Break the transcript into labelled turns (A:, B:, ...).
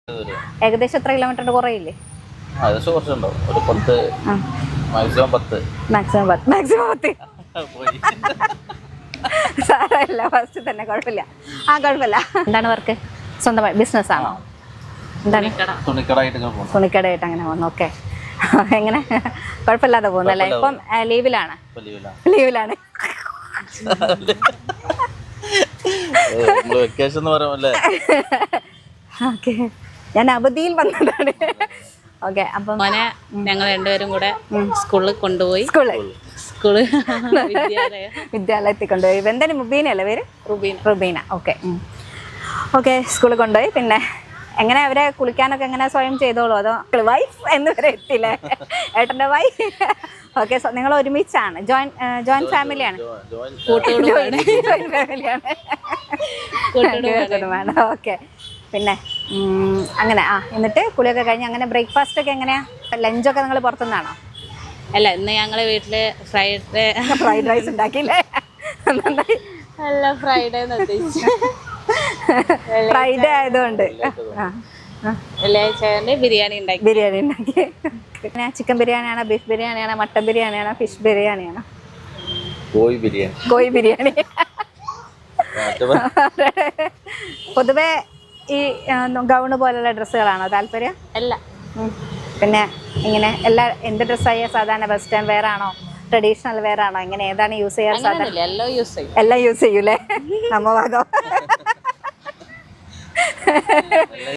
A: ഏകദേശം എത്ര കിലോമീറ്ററിന്റെ കുറയില്ലേ? മാക്സിമം 10. സാരമില്ല, ഫസ്റ്റ് തന്നെ കുഴപ്പമില്ല. കുഴപ്പമില്ല. എന്താണ് വർക്ക്? സ്വന്തമായി ബിസിനസ് ആണോ? എന്താണ്? തുണിക്കടയായിട്ട് അങ്ങനെ പോകുന്നു. ഓക്കെ. എങ്ങനെ? കുഴപ്പമില്ലാതെ പോകുന്നല്ലേ? ഇപ്പം ലീവിലാണ്. ഓക്കെ, ഞാൻ അവധിയിൽ വന്നതാണ്. ഓക്കെ. അപ്പം
B: ഞങ്ങൾ രണ്ടുപേരും കൂടെ സ്കൂളിൽ കൊണ്ടുപോയി.
A: വിദ്യാലയത്തിൽ കൊണ്ടുപോയി. എന്താണ് മുബീനല്ലേ പേര്? റുബീന. ഓക്കെ. സ്കൂളിൽ കൊണ്ടുപോയി. പിന്നെ എങ്ങനെ അവരെ കുളിക്കാനൊക്കെ എങ്ങനെ സ്വയം ചെയ്തോളൂ, അതോ വൈഫ് എന്ന് വരെ എത്തില്ലേ? ഏട്ടൻ്റെ വൈഫ്. ഓക്കെ. നിങ്ങൾ ഒരുമിച്ചാണ്? ജോയിന്റ് ഫാമിലിയാണ്? ഫാമിലിയാണ്. ഓക്കെ. പിന്നെ അങ്ങനെ എന്നിട്ട് കുളിയൊക്കെ കഴിഞ്ഞ് അങ്ങനെ ബ്രേക്ക്ഫാസ്റ്റ് ഒക്കെ എങ്ങനെയാ? ലഞ്ചൊക്കെ നിങ്ങൾ പുറത്തുനിന്നാണോ?
B: അല്ല, ഇന്ന് ഞങ്ങളെ വീട്ടില്
A: ഫ്രൈഡ് റൈസ് ഉണ്ടാക്കിയില്ലേ?
B: അല്ല, ഫ്രൈഡേ
A: ആയതുകൊണ്ട്
B: ബിരിയാണി ഉണ്ടാക്കി.
A: പിന്നെ ചിക്കൻ ബിരിയാണിയാണോ, ബീഫ് ബിരിയാണിയാണോ, മട്ടൻ ബിരിയാണിയാണോ, ഫിഷ് ബിരിയാണിയാണോ? കോഴി ബിരിയാണി. പൊതുവെ ഈ ഗൗണ് പോലുള്ള ഡ്രസ്സുകളാണോ താല്പര്യം?
B: അല്ല.
A: പിന്നെ ഇങ്ങനെ എന്ത് ഡ്രസ്സായ സാധാരണ വെസ്റ്റേൺ വെയർ ആണോ, ട്രഡീഷണൽ വെയർ ആണോ, ഇങ്ങനെ ഏതാണ് യൂസ് ചെയ്യാറ്? സാധാരണ എല്ലാം യൂസ് ചെയ്യൂലേ? നമ്മ ഭാഗം